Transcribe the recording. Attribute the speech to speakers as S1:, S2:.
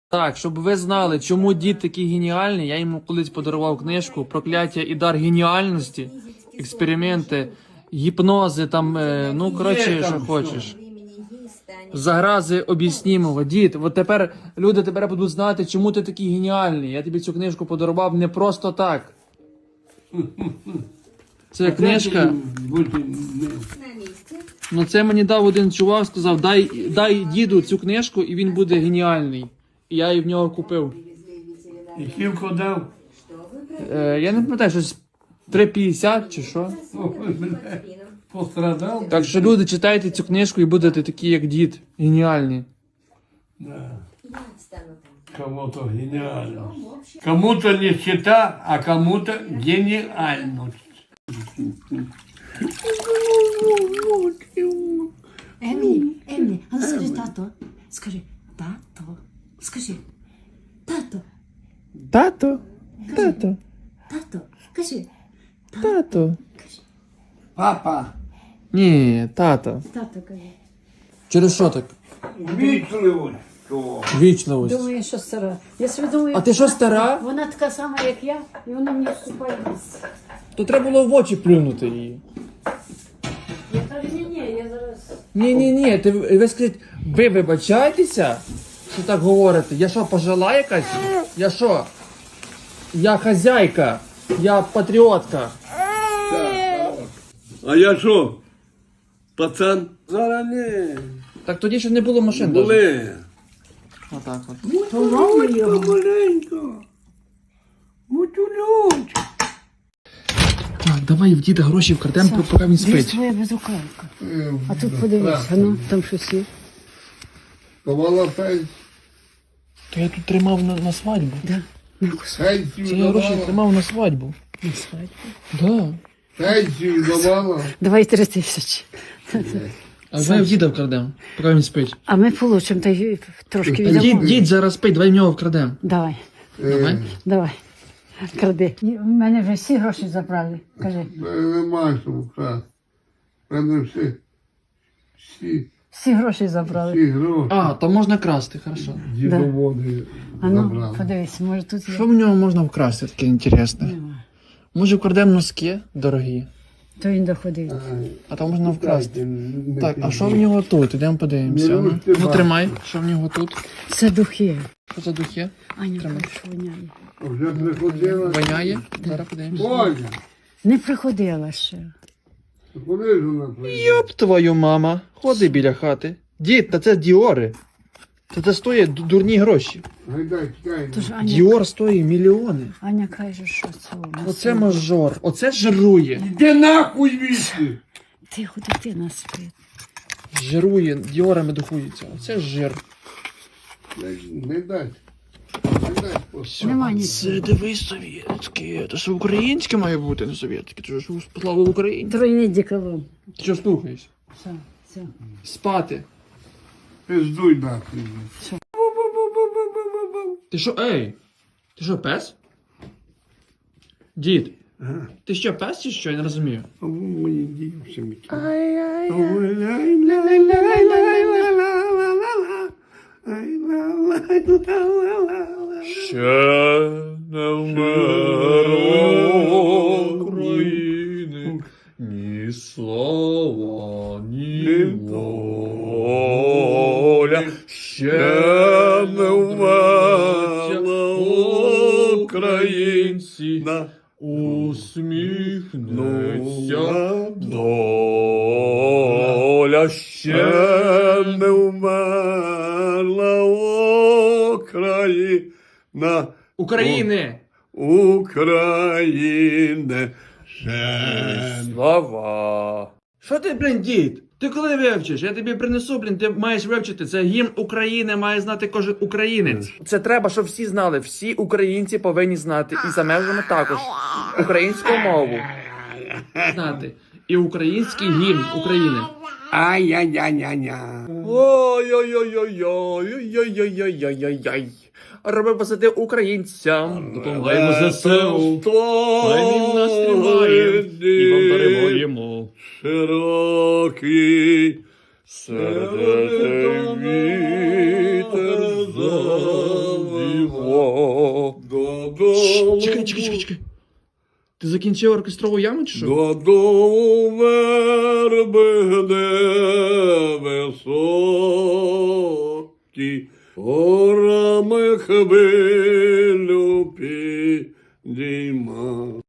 S1: Так, щоб ви знали, чому дід такий геніальний, я йому колись подарував книжку «Прокляття і дар геніальності», експерименти, гіпнози, там, ну, коротше, що хочеш. Загрази об'яснімого. Дід, от тепер люди тепер будуть знати, чому ти такий геніальний. Я тобі цю книжку подарував не просто так. Це книжка. Ну це мені дав один чувак, сказав, дай діду цю книжку і він буде геніальний. І я її в нього купив.
S2: І кілько дав?
S1: Я не пам'ятаю, щось 3,50 чи що.
S2: Пострадав?
S1: Так що люди, читайте цю книжку і будете такі, як дід. Геніальні.
S2: Да. Кому-то гениально. Кому-то нищета, а кому-то гениальность.
S3: Емі, а ну скажи тато. Скажи, тато. Скажи, тато,
S1: Тато, тато,
S3: тато. Кажи,
S1: тато.
S2: Папа,
S1: Ні, тато.
S3: тато, кажи.
S1: Через що так?
S2: вічливо.
S1: Вічливость.
S3: Думаю, що стара. Я собі думаю,
S1: А ти що, стара?
S3: вона така сама, як я, і вона мені вступає в місце.
S1: То треба було в очі плюнути її.
S3: Я кажу, ні, я зараз...
S1: Ні, ви скажіть, ви вибачаєтеся, що так говорите? Я що, пожила якась? Я що? Я хазяйка, я патріотка.
S2: А я що? Пацан? Зараз не.
S1: Так тоді ще не було машин. даже.
S2: Були.
S1: Отак от.
S2: Маленько, маленько. Мутюльончик.
S1: Так, давай в діда гроші вкрадемо, поки він
S3: Десь
S1: спить.
S3: твоя безрукавка. А тут подивись, ну, там щось є.
S4: Давала пенсію.
S1: То я тут тримав на свадьбу.
S3: Да.
S4: Пенсію
S1: Це я гроші
S4: давала.
S1: тримав на свадьбу.
S3: На свадьбу.
S1: Да.
S4: Пенсію давала.
S3: Давай 3000.
S1: А давай в діда вкрадемо, поки він спить.
S3: А ми получимо, та й трошки віддамо.
S1: Дід зараз спить, давай в нього вкрадемо.
S3: Давай,
S1: Давай.
S3: давай. Кради. У мене вже всі гроші забрали. Кажи.
S4: Нема що вкрасти. Мене
S3: Всі гроші забрали.
S4: всі гроші
S1: А, то можна красти, хорошо.
S4: дідоводи
S3: А ну,
S4: забрали.
S3: подивись, може тут є.
S1: Що в нього можна вкрасти таке інтересне?
S3: Нема.
S1: Може вкрадемо носки дорогі,
S3: То він доходив.
S1: а там можна вкрасти.
S4: Не
S1: Так, а
S4: піду.
S1: що в нього тут? Ідемо подивимося.
S4: Ну,
S1: Ну,
S4: ти
S1: ну
S4: бачиш.
S1: тримай, що в нього тут?
S3: Це духи.
S1: Що за духи?
S3: Аня
S1: Тримай.
S3: каже, що воняє.
S4: Вже приходила.
S1: Воняє? Зараз подивимося.
S4: Боже,
S3: Не приходила ще.
S4: куди ж вона прийде?
S1: Йоп твою мама, ходи біля хати. Дід, та це Діори. Це стоїть дурні гроші.
S4: Гайдай, чекай.
S3: Тож Аня,
S1: Діор стоїть мільйони.
S3: Аня каже, що це у нас.
S1: Оце мажор, оце жирує.
S4: Де нахуй вісти?
S3: Тихо, дитина спить.
S1: Жирує, діорами духується. Оце жир.
S4: Не дай. Не дай. просто.
S3: Нема
S1: Це
S3: нічого.
S1: дивись совєтське. Це ж українське має бути, не совєтське. Це ж слава Україні.
S3: Тройний діколон.
S1: Ти що слухаєш?
S3: Все, все.
S1: Спати.
S4: Пиздуй нахуй.
S1: Ти що, ей? Ти що, пес? Дід, ти що, пес чи що? Я не розумію.
S4: А ви мої дівчинки.
S1: Ще не вмерло України ні слава, ні воля. Ще не вмерла українці, усміхнеться доля. Ще
S2: Не вмерла Україна.
S1: України!
S2: України. Ще
S1: Слава! Що ти, блін, дід? Ти коли вивчиш? Я тобі принесу, блін, ти маєш вивчити. Це гімн України, має знати кожен українець. Це треба, щоб всі знали. Всі українці повинні знати. І за межами також. Українську мову. Знати. І український гімн України.
S2: Ай-яй-яй-яй-яй.
S1: Ой-ой-ой-ой-ой-ой-ой-ой-ой-ой. Роби посади українцям. Допомагаємо ЗСУ. Хай він нас тримає. І вам даруємо.
S2: Широкий
S1: Сердитий вітер О-о-о-о.
S2: Додому.
S1: Чекай. Ти закінчив оркестрову яму чи що?
S2: Додому верби, де високі, горами хвилю підійма.